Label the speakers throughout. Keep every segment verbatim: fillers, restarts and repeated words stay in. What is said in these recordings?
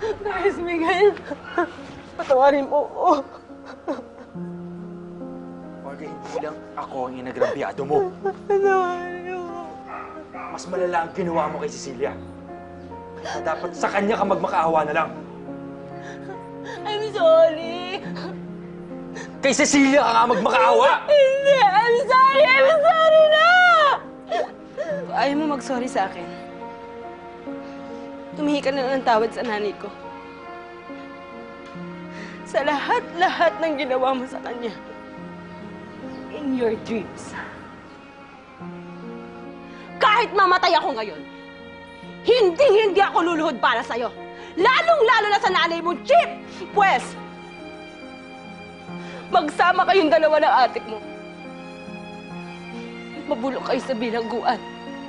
Speaker 1: Carlos Miguel, patawarin mo ako.
Speaker 2: Olga, hindi lang ako ang inagrabyado mo.
Speaker 1: Patawarin mo.
Speaker 2: Mas malala ang ginawa mo kay Cecilia. Kaya dapat sa kanya ka magmakaawa na lang.
Speaker 1: I'm sorry.
Speaker 2: Kay Cecilia ka nga magmakaawa!
Speaker 1: Hindi! I'm sorry! I'm sorry na! Ayaw mo mag-sorry sa akin. Tumihi ka na lang ng tawad sa nanay ko. Sa lahat-lahat ng ginawa mo sa kanya. In your dreams. Kahit mamatay ako ngayon, hindi-hindi ako luluhod para sa'yo. Lalong-lalo na sa nanay mong Chip! Pwes, magsama kayong dalawa ng atik mo. Mabulok kayo sa bilangguan.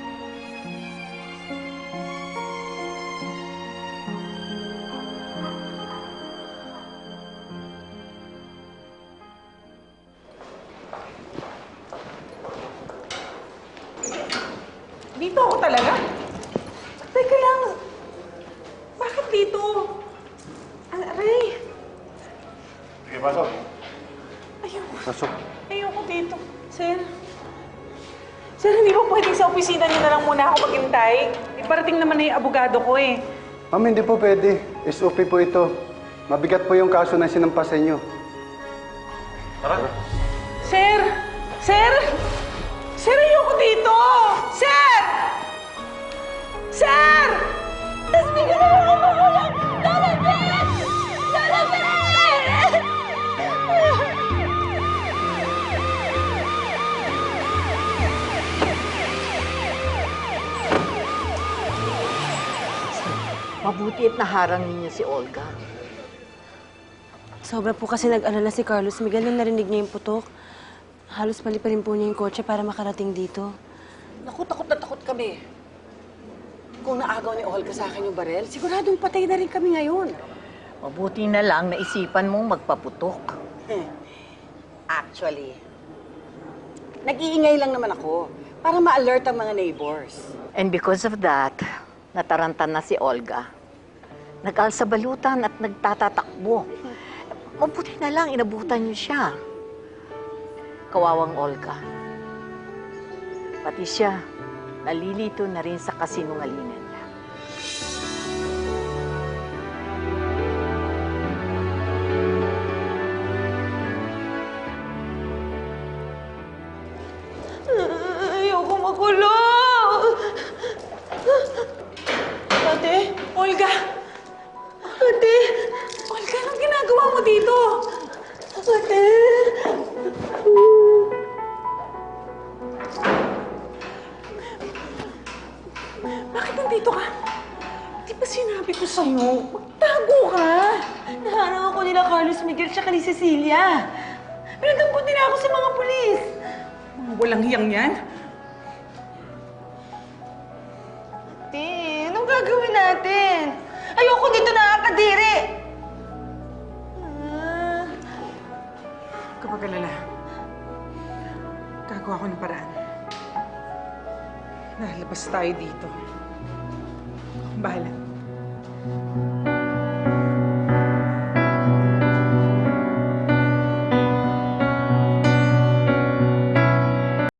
Speaker 3: Dito ako talaga? Teka lang. Bakit dito? Aray.
Speaker 4: Sige, pasok.
Speaker 3: Ayoko.
Speaker 4: Pasok.
Speaker 3: Ayoko dito. Sir? Sir, hindi ba pwedeng sa opisina niyo na lang muna ako maghintay? Iparating naman na yung abogado ko eh.
Speaker 4: Ma'am, hindi po pwede. S O P po ito. Mabigat po yung kaso na sinampas sa inyo.
Speaker 2: Tara.
Speaker 3: Sir! Sir! Sir, ayoko dito! Sir! Sir!
Speaker 1: Tapos bigyan naman ako magulang! Lalabas! Lalabas!
Speaker 5: Mabuti at naharang ninyo si Olga.
Speaker 1: Sobra po kasi nag-alala si Carlos Miguel nung narinig niya yung putok. Halos paliparin po niya yung kotse para makarating dito.
Speaker 5: Naku, takot na takot kami. Kung naagaw ni Olga sa akin yung barel, siguradong patay na rin kami ngayon.
Speaker 6: Mabuti na lang naisipan mong magpaputok.
Speaker 5: Actually, nag-iingay lang naman ako para ma-alert ang mga neighbors.
Speaker 6: And because of that, nataranta na si Olga. Nag-alsa balutan at nagtatatakbo. Mabuti na lang inabutan niyo siya. Kawawang Olga. Pati siya, nalilito na rin sa kasinungalingan niya.
Speaker 1: Ayoko makulong!
Speaker 3: Ate! Olga! Ate! Olga, anong ginagawa mo dito?
Speaker 1: Ate!
Speaker 3: Bakit nandito ka? Di ba sinabi ko sa'yo? Magtago ka!
Speaker 1: Naharang ako nila Carlos Miguel tsaka ni Cecilia. Pinagdampot nila ako sa mga pulis.
Speaker 3: Mga walang hiyang yan?
Speaker 1: Ate, anong gagawin natin? Ayoko dito nakakadiri! Ah,
Speaker 3: Kapag alala, gagawa ko ng paraan. Lalabas tayo dito. Bahala.